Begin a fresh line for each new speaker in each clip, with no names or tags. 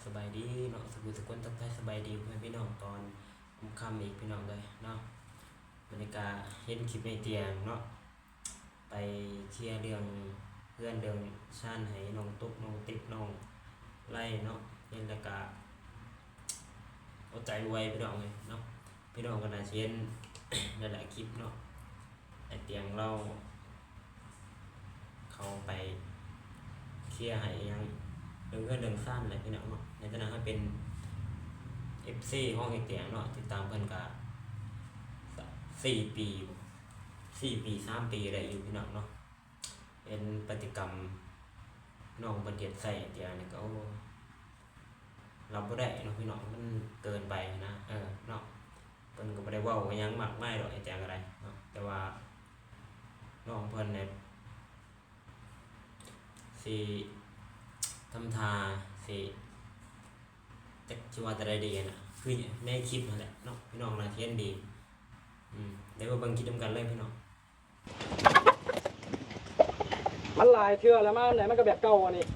สบายดีเนาะสกุลทักทายสบายดีเพื่อนพี่น้องตอนค่ำอีกพี่น้องเลยเนาะบรรยากาศเห็นคลิปในเตียงเนาะไปเคลียร์เรื่องเพื่อนเรื่องชาญให้น้องตุ๊กน้องติ๊กน้องไล่เนาะเห็นแล้วก็เอาใจไวพี่น้องเลยเนาะพี่น้องก็น่าเช่นหลายๆคลิปเนาะไอเตียงเราเขาไปเคลียร์ให้ยังเรื่องสั้นเลยพี่น้องเนาะในฐานะเขาเป็น FC ห้องไอเตียงเนาะติดตามเพิ่นก็4 ปี3 ปีอะไรอยู่พี่น้องเนาะเป็นปฏิกรรมน้องบันเดียดใส่ไอเตียงนี่ก็รับบ่ได้เนาะพี่น้องมันเกินไปนะเนาะเพิ่นก็บ่ได้เว้าหยังมากมายดอกไอเตียงอะไรเนาะแต่ว่าน้องเพิ่นเนี่ยสิทำทาสิจักสิว่าแต่ใดดีน่ะคือในคลิปนั่นแหละเนาะพี่น้องน่าเทียนดีเดี๋ยวมาเบิ่งคลิปนำกันเลยพี่น้อง
มันหลายเทื่อแล้วมาไหนมันก็แบบเก่าอันนี้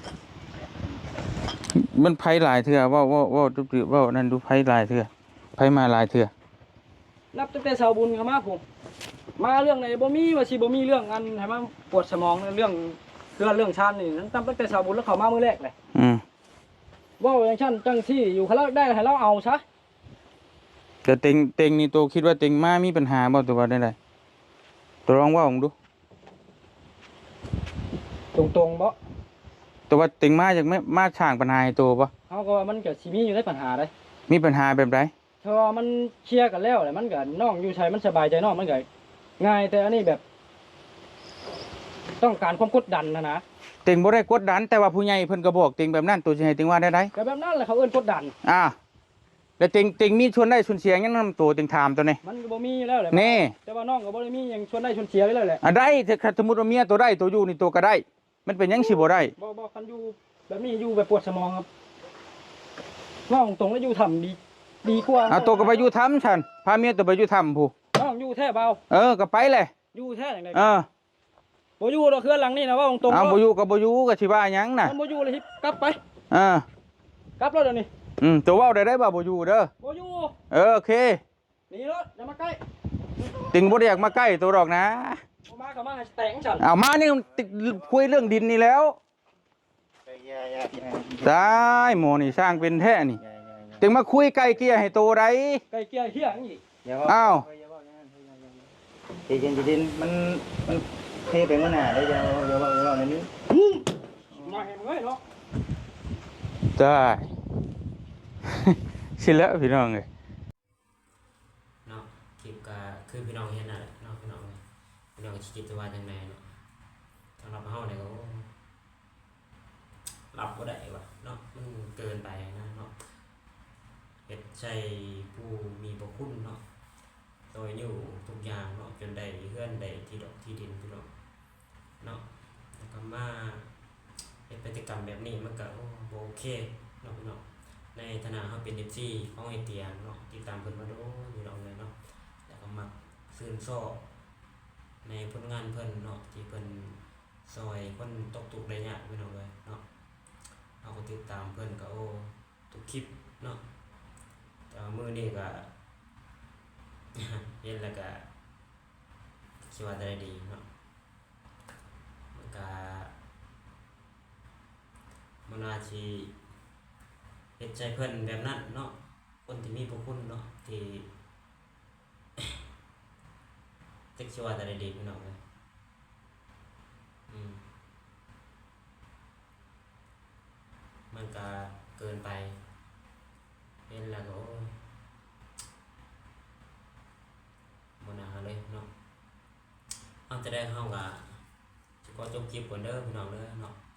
มันไผหลายเทื่อว่านั่นดูไผหลายเทื่อไผมาหลายเทื่อ
นับตั้งแต่ชาวบุญเข้ามาผมมาเรื่องไหนบ่มีว่าสิบ่มีเรื่องอันให้มันปวดสมองเรื่องชาญนี่นั้นตั้งแต่ชาวบุญแล้วเข้ามามื้อแรกเลยเว้าอย่างฉันจังที่อยู่เขาได้ให้เราเอาซะ
แต่เต็งนี่ตัวคิดว่าเต็งมามีปัญหาบ่ตัวว่าได้ไดตัวลองเว้าผมดู
ตรงๆบ่
ตัวว่าเต็งมาจากมาสร้างปัญหาให้ตัวบ่
เฮาก็ว่ามันก็สิมีอยู่ในปัญหาได้
มีปัญหาแบบใด
เพราะว่ามันเคลียร์กันแล้วแหละมันก็น้องอยู่ชัยมันสบายใจน้องมันก็ง่ายแต่อันนี้แบบ ต้องการความกดดันนะ
เต็งบ่ได้กดดันแต่ว่าผู้ใหญ่เพิ่นก็บอกเต็งแบบนั้นตัวสิให้เต็งว่าได้
ก็แบบนั้นแหละเขาเอิ้นกดดัน
แล้วเต็งมีชวนได้ชวนเสียยังนำตัวเต็งถามตัวนี้
มันก็บ่มีแล้วแหละ
นี่
แต่ว่าน้องก็บ่ได้มีหยังชวนได้ชวนเสียไว้แล้วแหละ
ได้ถ้าสมมุติว่าเมียตัวได้ตัวอยู่นี่ตัวก็ได้มันเป็นหยังสิบ่ได้
บ่คันอยู่แบบนี้อยู่แบบปวดสมองครับว่าตรงๆแล้วอยู่ทำดีกว่า
ตัวก็ไปอยู่ทำฉันพาเมียตัวไปอยู่ทำผู้
น้องอยู่แท้เบา
ก็ไปเลย
อยู่แท้จังได๋บ่อยู่ดอกเครือหลังนี่นะว่าตรง
ๆบ่อยู่ก็บ่อยู่ก็สิว่าหยังน่ะ
บ่อยู่เลยกลับไปกลับรถเดี๋ยวนี้
ตัวเว้าได้บ่บ่อยู่เด้อ
บ่อยู่
โอเค
นี่รถอย่ามาใกล้
ติงบ่ได้อยากมาใกล้ตัวดอกนะ
บ่มาเข้ามาให้แต่งฉัน
มานี่คุยเรื่องดินนี่แล้วตายหมอนี่สร้างเป็นแท้นี่ติงมาคุยไกลเกลี่ยให้โตได้
ไกลเกลี่ยเฮียอีก
ดินมันเทไปเมื่อหน่าได้เดี๋ยวในนี้
มาเห็นเลยเนาะ
ได้สิแล้วพี่น้องเลย
เนาะคลิปก็คือพี่น้องเห็นน่ะเนาะพี่น้องคิดว่าจังไดเนาะสำหรับเฮาเนี่ยก็รับบ่ได้ว่ะเนาะมันเกินไปนะเนาะเฮ็ดใจผู้มีพระคุณเนาะโดยอยู่ทุกอย่างเนาะจนได้เฮือนได้ที่ดอกที่ดินพี่น้องเนาะแล้วก็มาเป็นพฤติกรรมแบบนี้มันก็บ่โอเคเนาะพี่น้องในฐานะเฮาเป็น FC ของไอเตียงเนาะติดตามเพิ่นมาโดอยู่ดอกเลยเนาะแล้วก็มักซื่นชอบในผลงานเพิ่นเนาะที่เพิ่นซอยคนตกทุกข์ได้ยากพี่น้องเลยเนาะเฮาก็ติดตามเพิ่นก็ทุกคลิปเนาะแต่มื้อนี้ก็เห็นแล้วก็คิดว่าได้ดีเนาะมันก็มันอาจสิเฮ็ดใจเพิ่นแบบนั้นเนาะคนที่มีพระคุณเนาะที่จักสิว่าได้ดีพี่น้องเอ้ยมันก็เกินไปเห็นแล้วก็บ่น่าเลยเนาะเอาจะได้เฮาก็สิขอจบคลิปก่อนเด้อพี่น้องเด้อเนาะ